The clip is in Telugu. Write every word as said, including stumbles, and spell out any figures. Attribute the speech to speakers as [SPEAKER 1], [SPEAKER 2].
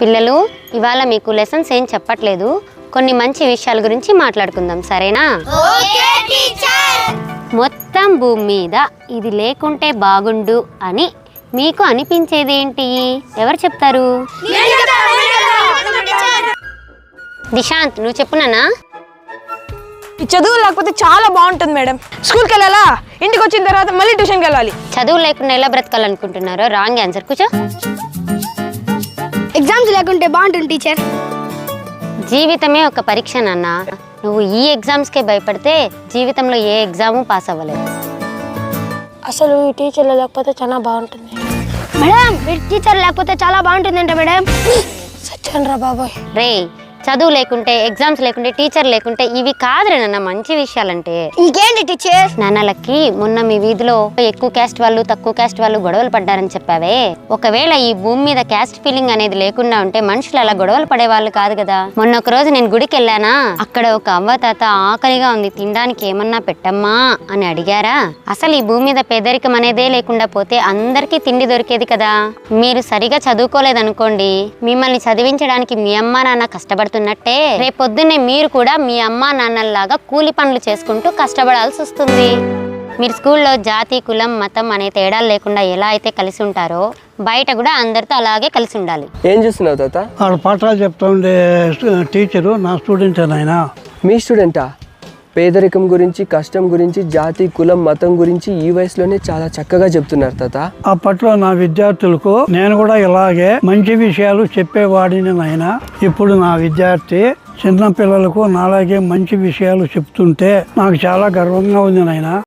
[SPEAKER 1] పిల్లలు, ఇవాళ మీకు లెసన్స్ ఏం చెప్పట్లేదు, కొన్ని మంచి విషయాల గురించి మాట్లాడుకుందాం, సరేనా? మొత్తం భూమి మీద ఇది లేకుంటే బాగుండు అని మీకు అనిపించేది ఏంటి? ఎవరు చెప్తారు? దిశాంత్, నువ్వు చెప్పునానా?
[SPEAKER 2] ఈ చదువు లేకపోతే చాలా బాగుంటుంది మేడం. స్కూల్కి వెళ్ళాలా, ఇంటికి వచ్చిన తర్వాత మళ్ళీ ట్యూషన్కి వెళ్ళాలి.
[SPEAKER 1] చదువు లేకుండా ఎలా బ్రతకాలనుకుంటున్నారో రాంగ్ ఆన్సర్. కూర్చో.
[SPEAKER 3] ఎగ్జామ్స్ లేకుంటే బాగుంటుంది టీచర్.
[SPEAKER 1] జీవితమే ఒక పరీక్ష నాన్న. నువ్వు ఈ ఎగ్జామ్స్కే భయపడితే జీవితంలో ఏ ఎగ్జాము పాస్ అవ్వలేదు.
[SPEAKER 2] అసలు ఈ టీచర్లు లేకపోతే చాలా బాగుంటుంది
[SPEAKER 3] మేడం. టీచర్ లేకపోతే చాలా బాగుంటుందంట మేడం.
[SPEAKER 2] సత్యం రా బాబోయ్.
[SPEAKER 1] రే, చదువు లేకుంటే, ఎగ్జామ్స్ లేకుంటే, టీచర్ లేకుంటే ఇవి కాదురే నాన్న మంచి విషయాలంటే.
[SPEAKER 3] ఇంకేంటి టీచర్?
[SPEAKER 1] నాన్నలకి మొన్న మీ వీధిలో ఎక్కువ క్యాస్ట్ వాళ్ళు తక్కువ క్యాస్ట్ వాళ్ళు గొడవలు పడ్డారని చెప్పావే, ఒకవేళ ఈ భూమి మీద క్యాస్ట్ ఫీలింగ్ అనేది లేకుండా ఉంటే మనుషులు అలా గొడవలు పడే వాళ్ళు కాదు కదా. మొన్న ఒక రోజు నేను గుడికి వెళ్ళానా, అక్కడ ఒక అవ్వ తాత ఆకలిగా ఉంది, తినడానికి ఏమన్నా పెట్టమ్మా అని అడిగారా? అసలు ఈ భూమి మీద పేదరికం అనేదే లేకుండా పోతే అందరికీ తిండి దొరికేది కదా. మీరు సరిగా చదువుకోలేదనుకోండి, మిమ్మల్ని చదివించడానికి మీ అమ్మా నాన్న కష్టపడుతున్నట్టే రేపొద్దున్నే మీరు కూడా మీ అమ్మా నాన్నల్లాగా కూలి పనులు చేసుకుంటూ కష్టపడాల్సి వస్తుంది. మీరు స్కూల్లో జాతి, కులం, మతం అనే తేడాలు లేకుండా ఎలా అయితే కలిసి ఉంటారో బయట కూడా అందరితో అలాగే కలిసి ఉండాలి.
[SPEAKER 4] ఏం చేస్తున్నావు తాత?
[SPEAKER 5] వాళ్ళు పాఠాలు చెప్తా ఉండే టీచరు నా స్టూడెంట్ నాయన.
[SPEAKER 4] మీ స్టూడెంటా? పేదరికం గురించి, కష్టం గురించి, జాతి, కులం, మతం గురించి ఈ వయసులోనే చాలా చక్కగా చెప్తున్నారు తాత.
[SPEAKER 5] అప్పట్లో నా విద్యార్థులకు నేను కూడా ఇలాగే మంచి విషయాలు చెప్పేవాడిని నాయన. ఇప్పుడు నా విద్యార్థి చిన్న పిల్లలకు నాలాగే మంచి విషయాలు చెప్తుంటే నాకు చాలా గర్వంగా ఉంది నాయన.